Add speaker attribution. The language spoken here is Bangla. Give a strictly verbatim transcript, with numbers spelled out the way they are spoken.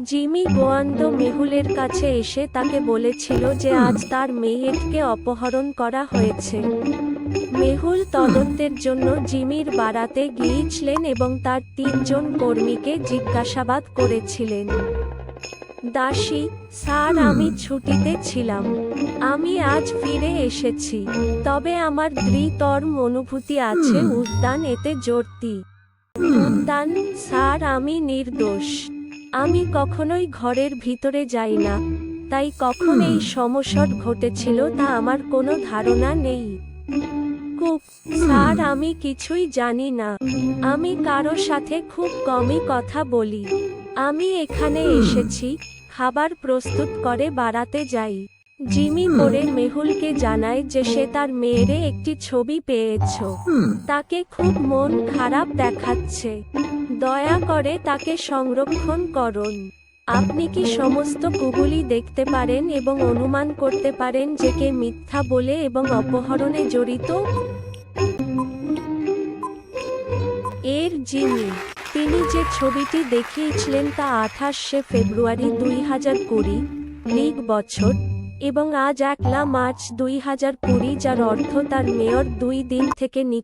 Speaker 1: জিমি গোয়ান্দো মেহুলের কাছে এসে তাকে বলেছিল যে আজ তার মেয়েকে অপহরণ করা হয়েছে। মেহুল তদন্তের জন্য জিমির বাড়াতে গিয়েছিলেন এবং তার তিনজন কর্মীকে জিজ্ঞাসাবাদ করেছিলেন। দাসী, স্যার, আমি ছুটিতে ছিলাম। আমি আজ ফিরে এসেছি। তবে আমার দৃঢ় অনুভূতি আছে উদ্যান এতে জড়তি। উদ্যান, স্যার, আমি নির্দোষ। আমি কখনোই ঘরের ভিতরে যাই না, তাই কখন এই সমস্যা ঘটেছিল তা আমার কোনো ধারণা নেই। কুক, স্যার, আমি কিছুই জানি না। আমি কারো সাথে খুব কমই কথা বলি। আমি এখানে এসেছি, খাবার প্রস্তুত করে বাড়াতে যাই। জিমি পরে মেহুলকে জানায় যে সে তার মেয়ের একটি ছবি পেয়েছে। তাকে খুব মন খারাপ দেখাচ্ছে। দয়া করে তাকে সংরক্ষণ করুন। আপনি কি সমস্ত কুগুলি দেখতে পারেন এবং অনুমান করতে পারেন যে কে মিথ্যা বলে এবং অপহরণে জড়িত? এর জিমি, তিনি যে ছবিটি দেখিয়েছিলেন তা আঠাশে ফেব্রুয়ারি দুই হাজার কুড়ি লিগ বছর, এবং আজ একলা মার্চ দুই হাজার কুড়ি, যার অর্থ তার মেয়র দুই দিন থেকে নিখোঁজ।